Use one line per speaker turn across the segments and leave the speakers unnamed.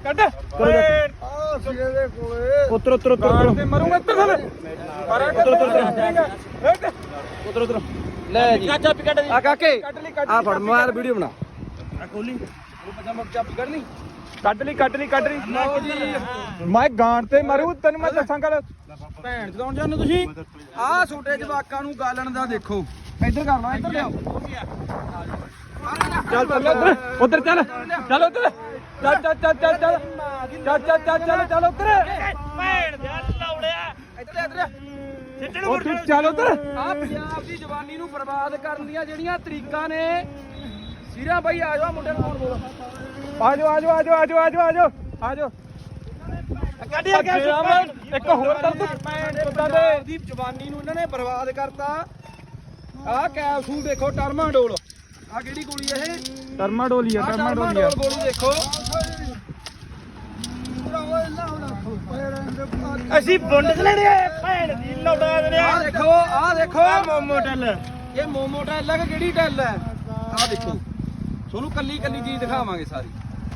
ਕੱਢ
ਸੀਰੇ ਦੇ ਕੋਲੇ
ਉਤਰ ਉਤਰ ਉਤਰ
ਗਾਲ ਤੇ ਮਰੂੰਗਾ ਇੱਧਰ ਥੱਲੇ ਮਾਰਾ
ਉਤਰ ਉਤਰ ਲੈ ਜੀ
ਚਾਬੀ ਕੱਢ
ਆ ਕਾਕੇ
ਕੱਢ ਲਈ
ਆ ਫੜ ਮੋਬਾਈਲ ਵੀਡੀਓ ਬਣਾ
ਖੋਲੀ
ਚਾਬੀ ਕੱਢ ਲਈ
ਕੱਢ ਲਈ ਮੈਂ ਗਾਂਡ ਤੇ ਮਰੂ ਤੈਨੂੰ ਮੈਂ ਦੱਸਾਂ ਗੱਲ
ਭੈਣ ਚਲਾਉਣ ਜਾਂਦੇ ਤੁਸੀਂ ਆਹ ਛੋਟੇ ਜਵਾਕਾਂ ਨੂੰ ਗਾਲਣ ਦਾ ਦੇਖੋ ਇੱਧਰ ਕਰ ਲਾ ਇੱਧਰ ਲਿਆਓ
ਚੱਲ ਉਧਰ ਚੱਲ ਉਧਰ ਚੱਲ ਉਧਰ
ਭੈਣ ਦੇ ਲੌੜਿਆ
ਇੱਧਰ ਇੱਧਰ
ਉਹ ਤੂੰ ਚੱਲ ਉਧਰ
ਆ ਪੰਜਾਬ ਦੀ ਜਵਾਨੀ ਨੂੰ ਬਰਬਾਦ ਕਰਨ ਦੀਆਂ ਜਿਹੜੀਆਂ ਤਰੀਕਾਂ ਨੇ ਸੀਰਾ ਬਾਈ ਆ ਜਾਓ ਮੁੰਡੇ ਨੂੰ ਫੋਨ ਬੋਲੋ
ਆਜੋ ਕੱਢਿਆ ਗਿਆ ਇੱਕ ਹੋਰ ਕਰ ਤੂੰ
ਪੰਜਾਬ ਦੀ ਜਵਾਨੀ ਨੂੰ ਇਹਨਾਂ ਨੇ ਬਰਬਾਦ ਕਰਤਾ ਆਹ ਕੈਪਸੂਲ ਦੇਖੋ ਟਰਮਾਡੋਲ ਆ ਕਿਹੜੀ ਗੋਲੀ ਇਹ
ਟਰਮਾਡੋਲੀਆ
ਟਰਮਾਡੋਲ ਗੋਲੀ ਦੇਖੋ
ਅਸੀਂ ਬੁੰਡ ਲੈਣੇ ਭੈਣ ਦੀ ਲੌੜਾ ਦੇਣੇ
ਆਹ ਦੇਖੋ
ਮੋਮੋ ਟੱਲ
ਇਹ ਮੋਮੋ ਟੈਲ ਹੈ ਕਿ ਕਿਹੜੀ ਟੈਲ ਹੈ ਆਹ ਦੇਖੋ ਤੁਹਾਨੂੰ ਕੱਲੀ ਕੱਲੀ ਚੀਜ਼ ਦਿਖਾਵਾਂਗੇ ਸਾਰੀ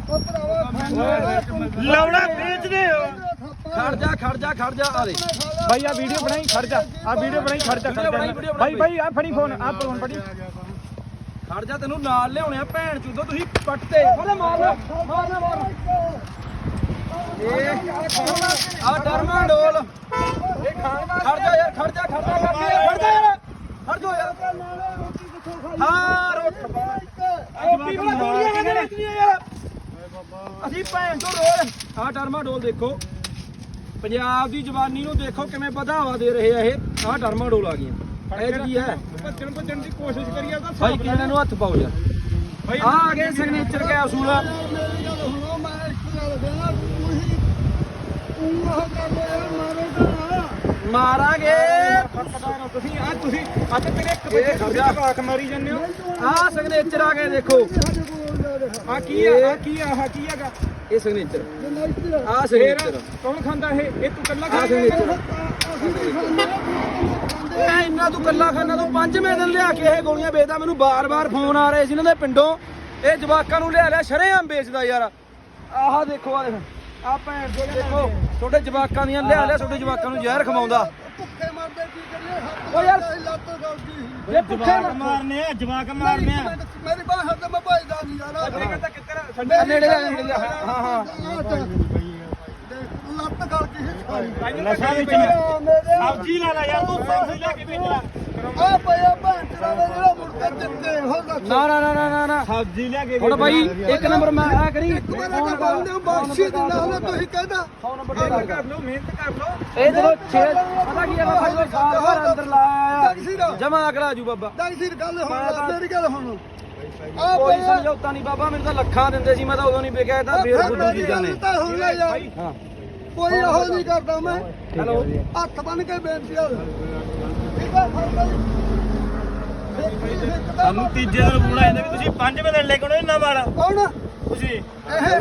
ਲੌੜਾ ਵੇਚਦੇ ਹੋ
ਖੜ ਜਾ ਆ ਦੇ
ਭਾਈ ਆ ਵੀਡੀਓ ਬਣਾਈ ਖੜ ਜਾ ਭਾਈ ਆ ਫੜੀ ਫੋਨ ਆ ਫੋਨ ਫੜੀ
ਖੜ ਜਾ ਤੈਨੂੰ ਨਾਲ ਲਿਆਉਣੇ ਆ ਭੈਣ ਚੂਦੋ ਤੁਸੀਂ ਪੱਟਦੇ ਬੋਲੇ ਮਾਰ ਇਹ ਆ ਟਰਮਾਡੋਲ ਇਹ ਖੜ ਜਾ ਯਾਰ ਖੜ ਜਾ ਯਾਰ ਹਾਂ ਰੋਟ ਅਸੀਂ ਭੈਣ ਤੋਂ ਰੋਜ਼ ਆ ਟਰਮਾਡੋਲ ਦੇਖੋ ਪੰਜਾਬ ਦੀ ਜਵਾਨੀ ਨੂੰ ਦੇਖੋ ਕਿਵੇਂ ਵਧਾਵਾ ਦੇ ਰਹੇ ਆ ਇਹ ਆ ਟਰਮਾਡੋਲ ਆ ਗਈਆਂ ਇਹ ਕੀ ਹੈ
ਭੱਜਣ ਦੀ ਕੋਸ਼ਿਸ਼ ਕਰੀਏ ਤਾਂ
ਭਾਈ ਕਿਹਨਾਂ ਨੂੰ ਹੱਥ ਪਾਓ ਯਾਰ ਆ ਗਏ ਸਿਗਨੇਚਰ ਕੈਪਸੂਲ ਮਾਰਾਂਗੇ
ਤੁਸੀਂ ਅੱਜ ਤੇਰੇ ਇੱਕ ਬੱਚੇ ਖਰਚਾ ਕਾਕ ਮਾਰੀ ਜਾਂਦੇ ਹੋ
ਆ ਸਿਗਨੇਚਰ ਆ ਗਏ ਦੇਖੋ
ਆ ਕੀ ਹੈਗਾ
ਇਹ ਸਿਗਨੇਚਰ ਆ
ਫੇਰ
ਸਿਗਨੇਚਰ
ਕੌਣ ਖਾਂਦਾ ਇਹ ਤੂੰ ਕੱਲਾ
ਆ ਸਿਗਨੇਚਰ ਇਹ ਇੰਨਾ ਤੂੰ ਕੱਲਾ ਖਾਨਾ ਤੂੰ ਪੰਜਵੇਂ ਦਿਨ ਲਿਆ ਕੇ ਇਹ ਗੋਲੀਆਂ ਵੇਚਦਾ ਮੈਨੂੰ ਬਾਰ-ਬਾਰ ਫੋਨ ਆ ਰਹੇ ਸੀ ਇਹਨਾਂ ਦੇ ਪਿੰਡੋਂ ਇਹ ਜਵਾਕਾਂ ਨੂੰ ਲਿਆ ਸ਼ਰੇਆਮ ਵੇਚਦਾ ਯਾਰ ਆਹ ਦੇਖੋ ਆ ਦੇਖ ਆ ਭੈਣ ਦੇ ਦੇਖੋ ਛੋਟੇ ਜਵਾਕਾਂ ਦੀਆਂ ਲਿਆ ਛੋਟੇ ਜਵਾਕਾਂ ਨੂੰ ਜ਼ਹਿਰ ਖਵਾਉਂਦਾ
ਭੁੱਖੇ ਮਰਦੇ ਕੀ ਕਰੀਏ
ਓ ਯਾਰ
ਲੱਤ ਗਲਦੀ
ਇਹ ਭੁੱਖੇ
ਮਾਰਨੇ ਆ ਜਵਾਕ ਮਾਰਨੇ ਆ ਮੇਰੀ ਬਾਹ ਹੱਥ ਮੈਂ ਭਾਈਦਾ ਨਹੀਂ ਯਾਰ
ਨੇੜੇ ਲੈ ਹਾਂ
ਲੱਤ ਗਲ ਗਈ
ਨਸ਼ਾ ਵਿੱਚ
ਸਬਜ਼ੀ ਲੈ ਲੈ ਯਾਰ ਤੂੰ ਸਬਜ਼ੀ ਲੈ ਕੇ ਭੇਜਿਆ ਆ ਪਿਆ ਭੈਣ ਤੇਰਾ ਜਿਹੜਾ ਮੁਰਗਾ ਜਿੱਤੇ ਹੋ ਦੱਸ
ਨਾ
ਸਬਜ਼ੀ ਲੈ ਕੇ
ਹੁਣ ਬਾਈ ਇੱਕ ਨੰਬਰ ਮੈਂ ਆ ਕਰੀ
ਮੈਂ ਬੰਦੇ ਨੂੰ ਬਖਸ਼ੀ ਦਿੰਦਾ ਹੁੰਦਾ ਤੁਸੀਂ ਕਹਿੰਦਾ
ਕਰ ਲਓ ਮਿਹਨਤ ਕਰ ਲਓ
ਇਹ ਜਦੋਂ 6 ਪਤਾ ਕੀ ਹੈ ਬਾਬਾ ਜਦੋਂ ਸਾਲ ਭਰ ਅੰਦਰ ਲਾਇਆ ਜਮਾ ਅਗਲਾ ਜੂ ਬਾਬਾ
ਡਾਕਟਰ ਗੱਲ ਹੁਣ ਮੇਰੀ ਗੱਲ ਹੁਣ ਆ
ਕੋਈ
ਪਿਆ
ਸਮਝੌਤਾ ਨਹੀਂ ਬਾਬਾ ਮੈਨੂੰ ਤਾਂ ਲੱਖਾਂ ਦਿੰਦੇ ਸੀ ਮੈਂ ਤਾਂ ਉਦੋਂ ਨਹੀਂ ਵਿਕਿਆ ਇਹ ਤਾਂ ਫੇਰ ਬੁੱਧੂ ਚੀਜ਼ਾਂ ਨੇ
ਤਾਂ ਹੁਣ ਲੈ ਜਾ
ਹਾਂ
ਕੋਈ ਇਹੋ ਨਹੀਂ ਕਰਦਾ ਮੈਂ
ਹੈਲੋ
ਹੱਥ ਬੰਨ ਕੇ ਬੇਨਤੀ ਆ ਠੀਕ ਆ
ਸਾਨੂੰ ਤੀਜੇ ਦਿਨ ਬੁਲਾਇਆ ਜਾਂਦਾ ਵੀ ਤੁਸੀਂ ਪੰਜਵੇਂ ਦਿਨ ਲੈ ਕੇ ਆਉਣਾ ਇਹਨਾਂ ਵਾਲਾ
ਕੌਣ
ਤੁਸੀਂ
ਇਹ